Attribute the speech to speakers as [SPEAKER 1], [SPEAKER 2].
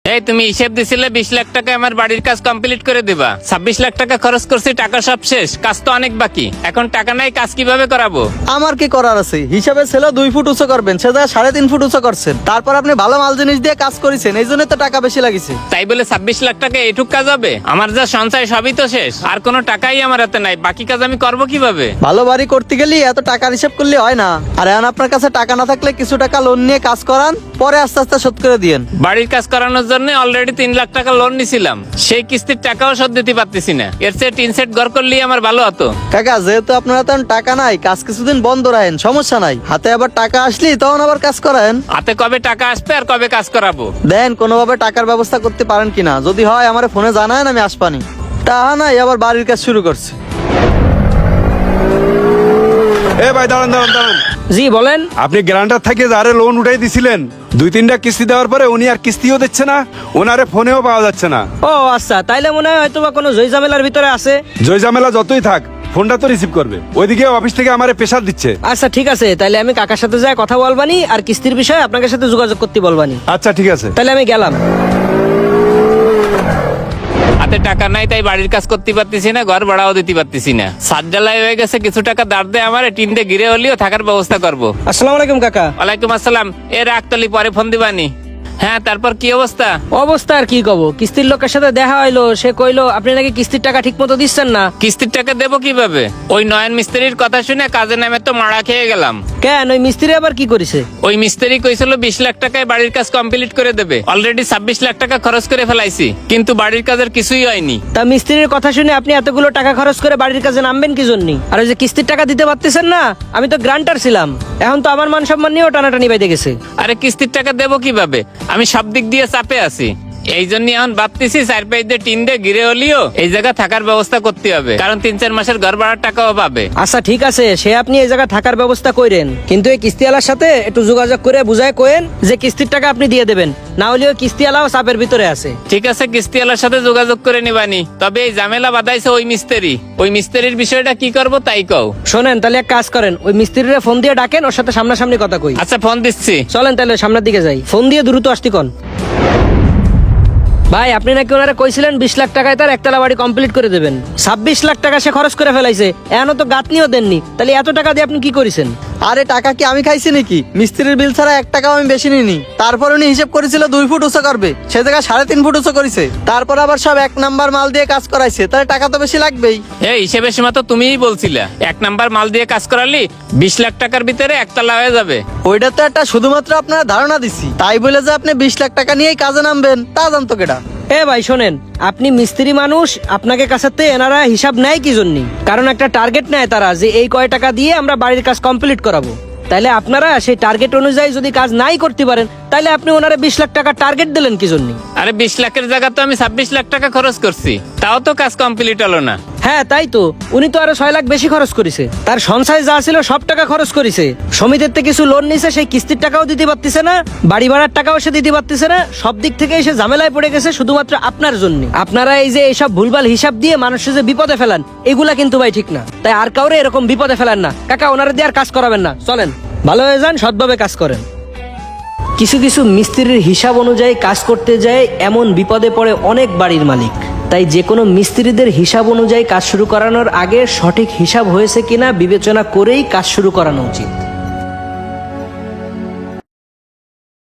[SPEAKER 1] এই তুমি হিসেব দিছিলে 20 লাখ টাকা আমার বাড়ির কাজ কমপ্লিট করে দিবা। 26 লাখ টাকা খরচ করছি, টাকা সব শেষ, কাজ তো অনেক বাকি। এখন টাকা নাই, কাজ কিভাবে করাবো?
[SPEAKER 2] আমার কি করার আছে? হিসাবে ছিল 2 ফুট উঁচু করবেন, সে জায়গায় 3.5 ফুট উঁচু করছেন। তারপর আপনি ভালো মাল জিনিস দিয়ে কাজ করেছেন, এই জন্য তো টাকা বেশি লাগিছে।
[SPEAKER 1] তাই বলে 26 লাখ টাকা এইটুক কাজ হবে? আমার যা সঞ্চয় সবই তো শেষ, আর কোনো টাকাই আমার হাতে নাই। বাকি কাজ আমি করবো কিভাবে?
[SPEAKER 2] ভালো বাড়ি করতে গেলে এত টাকার হিসাব করলে হয় না। আর এখন আপনার কাছে টাকা না থাকলে কিছু টাকা লোন নিয়ে কাজ করান, পরে আস্তে আস্তে শোধ করে দিয়েন।
[SPEAKER 1] বাড়ির কাজ করানোর জন্য অলরেডি 3 লাখ টাকা লোন নিছিলাম, সেই কিস্তির টাকাও শোধ দিতে পারতেছি না। এর চেয়ে টিন সেট ঘর করলেই আমার ভালো হতো।
[SPEAKER 2] কাকা, যেহেতু আপনার হাতে এখন টাকা নাই, কাজ কিছুদিন বন্ধ রাখেন, সমস্যা নাই। হাতে আবার টাকা আসলি তখন আবার কাজ করেন।
[SPEAKER 1] হাতে কবে টাকা আসবে আর কবে কাজ করাবো?
[SPEAKER 2] দেন কোনোভাবে টাকার ব্যবস্থা করতে পারেন কিনা, যদি হয় আমার ফোনে জানান, আমি আসপানি। টাকা নাই, আবার বাড়ির কাজ শুরু করছে।
[SPEAKER 3] এ ভাই দাঁড়ান দাঁড়ান দাঁড়ান।
[SPEAKER 4] জি বলেন।
[SPEAKER 3] আপনি গ্যারান্টার থেকে যারে লোন উঠাই দিছিলেন, 2-3টা কিস্তি দেওয়ার পরে উনি আর কিস্তিও দিচ্ছে না, ওনারে ফোনেও পাওয়া যাচ্ছে না।
[SPEAKER 4] ও আচ্ছা, তাইলে মনে হয় হয়তো বা কোনো ঝামেলার ভিতরে আছে।
[SPEAKER 3] জয়জামেলা যতই থাক, ফোনটা তো রিসিভ করবে। ওইদিকে অফিস থেকে আমারে প্রেসার দিচ্ছে।
[SPEAKER 4] আচ্ছা ঠিক আছে, তাইলে আমি কাকার সাথে যাই কথা বলবানি, আর কিস্তির বিষয়ে আপনাদের সাথে যোগাযোগ করতে বলবানি।
[SPEAKER 3] আচ্ছা ঠিক আছে।
[SPEAKER 4] তাহলে আমি গেলাম।
[SPEAKER 1] হাতে টাকা নাই, তাই বাড়ির কাজ করতে পারতেছি না, ঘর ভাড়াও দিতে পারতেছি না। সাত জ্বালাই হয়ে গেছে, কিছু টাকা দাঁড় দেয় আমার, টিন দিয়ে ঘিরে হলেও থাকার ব্যবস্থা করবো।
[SPEAKER 4] আসসালামু আলাইকুম কাকা।
[SPEAKER 1] ওয়ালাইকুম আসসালাম। এ রাখতলি, পরে ফোন দিবানি। হ্যাঁ, তারপর কি অবস্থা?
[SPEAKER 4] অবস্থা আর কি কব, কিস্তির লোকের সাথে দেখা হইলো, সে কইলো আপনি নাকি কিস্তির টাকা ঠিক মতো দিচ্ছেন না।
[SPEAKER 1] কিস্তির টাকা দেবো কিভাবে? ওই নয়ন মিস্ত্রির কথা শুনে কাজে নামে তো মারা খেয়ে গেলাম।
[SPEAKER 4] কেন, ওই মিস্ত্রি আবার কি করেছে?
[SPEAKER 1] ওই মিস্ত্রি কইছিল 20 লাখ টাকায় বাড়ির কাজ কমপ্লিট করে দেবে। অলরেডি 26 লাখ টাকা খরচ করে ফেলাইছি, কিন্তু বাড়ির কাজের কিছুই হয়নি।
[SPEAKER 4] তা মিস্ত্রির কথা শুনে আপনি এতগুলো টাকা খরচ করে বাড়ির কাজে নামবেন কি জন্য? আর ওই যে কিস্তির টাকা দিতে পারতেছেন না, আমি তো গ্রান্টার ছিলাম, এখন তো আমার মান সম্মান নিয়েও টানাটানি বাইতে গেছে।
[SPEAKER 1] আরে কিস্তির টাকা দেবো কিভাবে? আমি সব দিক দিয়ে চাপে আছি। এই জন্য এখন ভাবতেছি 4-5 দিয়ে টিন দিয়ে ঘিরে হলিও এই জায়গা থাকার ব্যবস্থা করতে হবে, কারণ 3-4 মাসের ঘর ভাড়ার টাকাও পাবে।
[SPEAKER 4] আচ্ছা ঠিক আছে, সে আপনি এই জায়গা থাকার ব্যবস্থা করেন, কিন্তু এই কিস্তিওয়ালার সাথে একটু যোগাযোগ করে বুঝায় কোয়েন যে কিস্তির টাকা আপনি দিয়ে দেবেন, না হলেও কিস্তিওয়ালাও চাপের ভিতরে আছে।
[SPEAKER 1] ঠিক আছে, কিস্তিওয়ালার সাথে যোগাযোগ করে নিবানি। তবে এই ঝামেলা বাঁধাইছে ওই মিস্ত্রি। ওই মিস্ত্রির বিষয়টা কি করব তাই কও।
[SPEAKER 4] শোনেন, তাহলে এক কাজ করেন, ওই মিস্ত্রিরে ফোন দিয়ে ডাকেন, ওর সাথে সামনাসামনি কথা কই।
[SPEAKER 1] আচ্ছা, ফোন দিচ্ছি।
[SPEAKER 4] চলেন তাহলে সামনের দিকে যাই, ফোন দিয়ে দ্রুত আসতি কোন। ভাই, আপনি নাকি ওনারা কইছিলেন 20 লাখ টাকায় তার একতলা বাড়ি কমপ্লিট করে দেবেন। 26 লাখ টাকা সে খরচ করে ফেলাইছে, এখনো তো গাঁথনিও দেননি। তাহলে এত টাকা দিয়ে আপনি কি করেছেন?
[SPEAKER 2] আরে টাকা কি আমি খাইছি নাকি? মিস্ত্রির বিল ছাড়া 1 টাকাও আমি বেশি নিইনি। তারপর উনি হিসেব করেছিল 2 ফুট উঁচু করবে, সে জায়গায় 3.5 ফুট উঁচু করেছে। তারপর আবার সব 1 নাম্বার মাল দিয়ে কাজ করাইছে, তাহলে টাকা তো বেশি লাগবেই।
[SPEAKER 1] এই হিসেবের সময় তো তুমিই বলছিলে 1 নাম্বার মাল দিয়ে কাজ করালি 20 লাখ টাকার ভিতরে একতলা হয়ে যাবে।
[SPEAKER 2] ওইটা তো একটা শুধুমাত্র আপনারা ধারণা দিছি, তাই বলে যে আপনি 20 লাখ টাকা নিয়েই কাজে নামবেন তা জানতো কেডা?
[SPEAKER 4] এ ভাই শোনেন, আপনি মিস্ত্রি মানুষ, আপনাকে কাছাতে এনারা হিসাব নেয় কি জন্য? কারণ একটা টার্গেট নেয় তারা, যে এই কয় টাকা দিয়ে আমরা বাড়ির কাজ কমপ্লিট করাবো। তাইলে আপনারা সেই টার্গেট অনুযায়ী যদি কাজ নাই করতে পারেন, তাইলে আপনি ওনারা 20 লাখ টাকা টার্গেট দিলেন কি জন্য?
[SPEAKER 1] আরে 20 লাখের জায়গা তো আমি 26 লাখ টাকা খরচ করছি, তাও তো কাজ কমপ্লিট হলো না।
[SPEAKER 4] হ্যাঁ তাই তো, উনি তো আরো 6 লাখ বেশি খরচ করেছে। তার সঞ্চয় যা ছিল সব টাকা খরচ করেছে, সমিতির থেকে কিছু লোন নিছে, সেই কিস্তির টাকাও দিতে পারতেছে না, বাড়ি ভাড়ার টাকাও সে দিতে পারতেছে না। সব দিক থেকে সে ঝামেলায় পড়ে গেছে শুধুমাত্র আপনার জন্য। আপনারা এই যে এইসব ভুলভাল হিসাব দিয়ে মানুষের যে বিপদে ফেলান, এগুলা কিন্তু ভাই ঠিক না। তাই আর কাউরে এরকম বিপদে ফেলান না। কাকা, ওনারা দিয়ে আর কাজ করাবেন না, চলেন ভালো হয়ে যান, সৎভাবে কাজ করেন। কিছু কিছু মিস্ত্রির হিসাব অনুযায়ী কাজ করতে যায়, এমন বিপদে পড়ে অনেক বাড়ির মালিক। তাই যে কোনো মিস্ত্রিদের হিসাব অনুযায়ী কাজ শুরু করানোর আগে সঠিক হিসাব হয়েছে কিনা বিবেচনা করেই কাজ শুরু করানো উচিত।